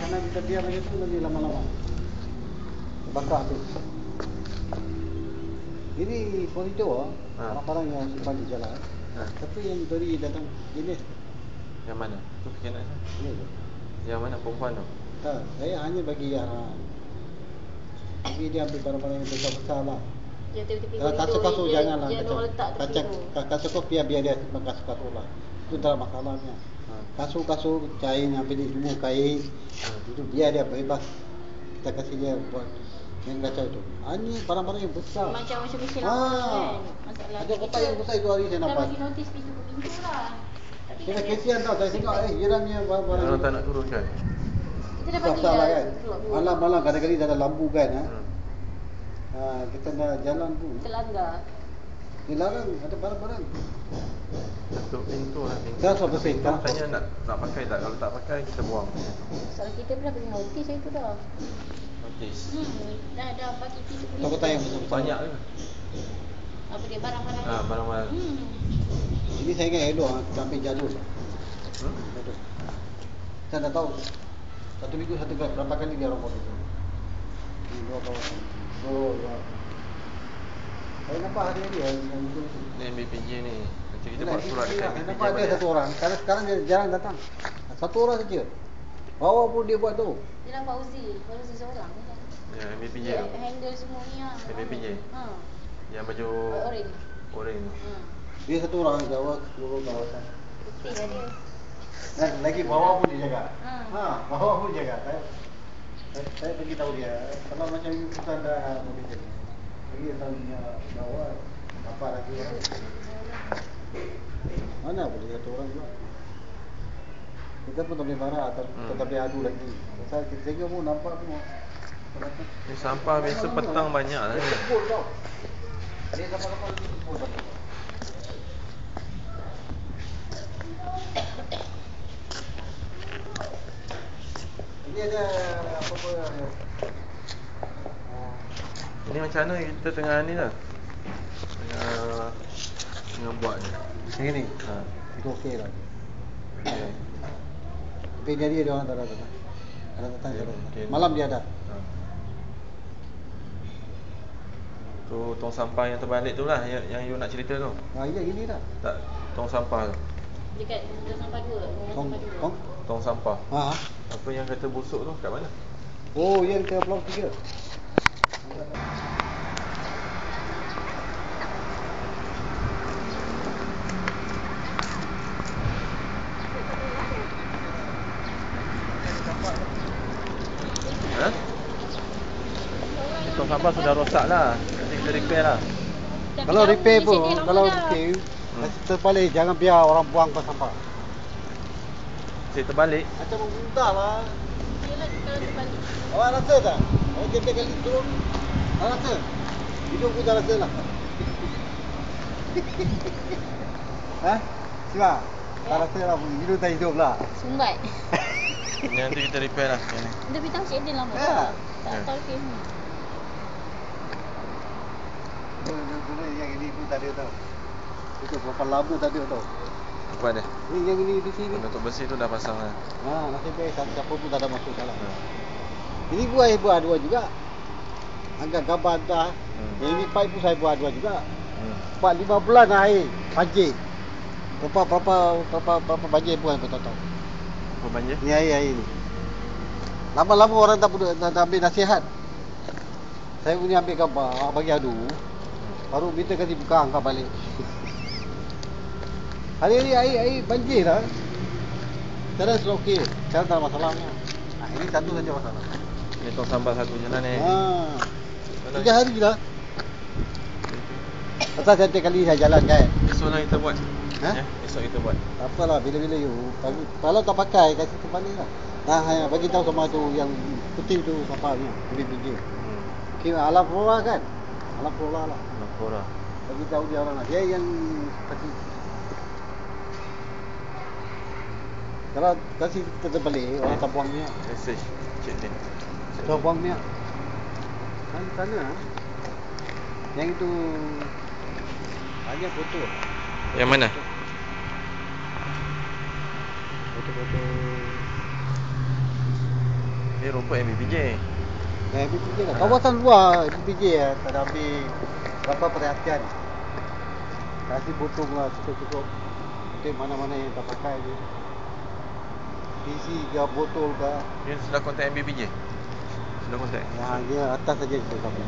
Mana kita diam macam tu nanti lama-lama bakar habis. Ini koridor barang-barang yang simpan di jalan. Tapi yang dari datang jenis. Yang mana? Tu kena saya. Ya. Yang mana perempuan tu? Tak, saya hanya bagi bagi dia ambil barang-barang yang besar-besar lah. Kalau kasut-kasut janganlah. Kasut biar dia simpan kasut-kasut lah. Itu tak masalahnya. Kasut-kasut kain yang pilih semua kain itu biar dia bebas. Kita kasih dia buat yang kacau itu. Ini barang-barang yang besar. Macam mesin kan. Masalah. Ada kotak yang besar itu hari saya nampak. Dah bagi notis pintu lah. Kita kesian tau, saya tengok jirannya barang-barang. Orang tak nak turun kan? Kita dah bagi lah kan. Malam-malam kadang-kadang ada lampu kan. Kita nak jalan pun terlanggar. Dilarang ada barang-barang. Satu pintu lah. Dah sampai pintu. Tanya nak pakai tak? Kalau tak pakai kita buang. Soal kita pun dah bagi notis saya tu dah. Notis. Dah bagi pintu. Kotak yang besar. Banyak ke? Apa dia barang-barang? Barang-barang. Ini saya ingat elok kita ambil jalur. Betul. Saya dah tahu. Satu minggu satu kali berapa kali dia orang buat itu. Ini dua kawasan. Dua. Saya nampak hari ini yang itu. Ni MBPJ ni. Nanti kita buat surat dekat MBPJ. Nampak ada satu orang. Sekarang dia jarang datang. Satu orang saja. Bawa pun dia buat tu. Dia nampak Fauzi seorang kan. Ya, MBPJ dia tu. handle semua ni lah. MBPJ. Yang baju oren tu. Dia satu orang jawa seluruh kawasan. Putih lah dia. Dan lagi bawah pun dia jaga. Bawah pun jaga. Saya beritahu dia, kalau macam ini kita dah begitu. Lagi tahu dia bawah apa lagi orang. Mana boleh satu orang juga. Kita pun tak boleh marah atau kita tak boleh adu lagi. Pasal kita tengok pun nampak pun. Ni sampah biasa petang banyak lah ni. Dia sampah-sampah lagi kumpul banyak. Ini ada apa-apa Ini macam mana kita tengah ni lah. Tengah buat ni. Yang ni? Itu okey lah. Tapi dia orang tak datang. Kalau datang okay. Malam dia ada. Tu tong sampah yang terbalik tu lah yang you nak cerita tu. Ya ini lah. Tak, tong sampah tu. Dekat tong sampah dua. Tong sampah. Apa yang kata busuk tu kat mana? Oh, yang ke Blok 3. Tong sampah sudah rosak lah. Nanti kita repair lah. Kalau repair pun, terbalik, jangan biar orang buang ke sampah. Cik terbalik. Macam muntah lah. Yelah kalau terbalik. Awak rasa tak? Awak tiap-tiap kali turun, awak rasa? Hidup pun tak rasa lah. Siapa? Tak rasa lah, hidup tak hidup lah. Sumbat. Nanti kita repair lah. Dia bintang Cik Adil lama tak tahu repair ni. Dulu yang ini pun tak ada tau. Itu berapa lama tak ada tau. Apa ada? Ni yang ini di sini. Penutup besi tu dah pasang lah. Nasib baik siapa pun tak ada masuk dalam. Ini buat dua juga. Agak gambar dah. Yang ini pipe pun saya buat dua juga. 4-5 bulan air banjir. Berapa banjir buat aku tak tahu. Apa banjir? Ni air ni. Lama-lama orang tak ambil nasihat. Saya punya ambil gambar, bagi adu. Baru minta kasi buka angkat balik. Hari ni air banjir lah. Sekarang sudah okey. Sekarang tak ada masalahnya. Ini satu saja masalah. Ini tong sampah satu je lah ni. 3 hari lah. Pasal setiap kali saya jalan kan. Esok lah kita buat. Esok kita buat. Tak apalah, bila-bila you. Kalau tak pakai, kasih kembali lah. Bagi tahu sama tu yang putih tu sampahnya. Biji-biji. Alam flora kan? Alam flora lah. Alam flora. Bagi tahu dia orang lah. Dia yang seperti. Kalau kasih kita balik, orang tak buang minyak. Message Cik Din. Tak buang minyak. Kan sana. Yang itu hanya foto. Yang mana? Foto-foto. Ni rumput MBPJ. MBPJ lah. Kawasan luar MBPJ lah. Tak ada ambil berapa perhatian. Kasih potong lah cukup-cukup. Tengok mana-mana yang tak pakai je. Isi ke botol ke. Dia sudah kontak MBPJ? Sudah kontak? Ya, dia atas saja kita kami.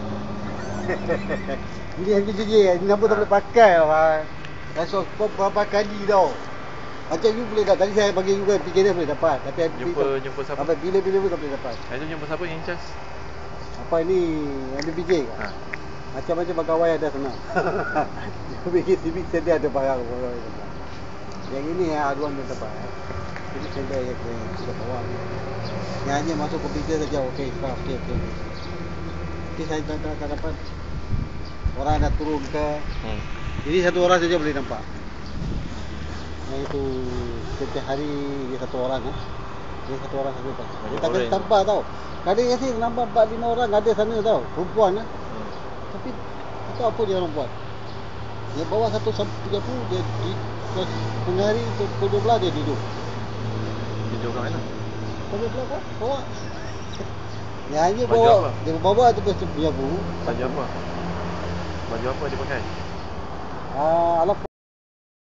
Ini MBPJ kan. Ini apa tak boleh pakai lah. Rasa kau berapa kali tau. Macam you boleh tak. Tadi saya bagi you kan PKN boleh dapat. Tapi Jumpa siapa? Sampai bila-bila pun tak boleh dapat. Itu jumpa siapa yang charge? Apa ini MBPJ kan? Macam-macam pegawai ada sana. Dia pergi civic center ada barang. Yang ini aduan dia dapat. Civic center yang kita bawa. Yang hanya masuk komputer saja. Okey, okey. Jadi saya tak dapat. Orang nak turun ke. Jadi satu orang saja boleh nampak. Yang itu setiap hari dia satu orang kan. Dia satu orang saja tak. Dia tak kena tampak tau. Kadang yang saya nampak 4-5 orang ada sana tau. Perempuan lah. Tapi tak tahu apa dia orang buat. Dia bawa 1-30 dia di tengah hari pukul 12 dia tidur. Tidur kat mana? Pukul 12 kan? Bawa. Yang hanya bawa apa? Dia bawa tu baju apa? Baju apa dia pakai? Alat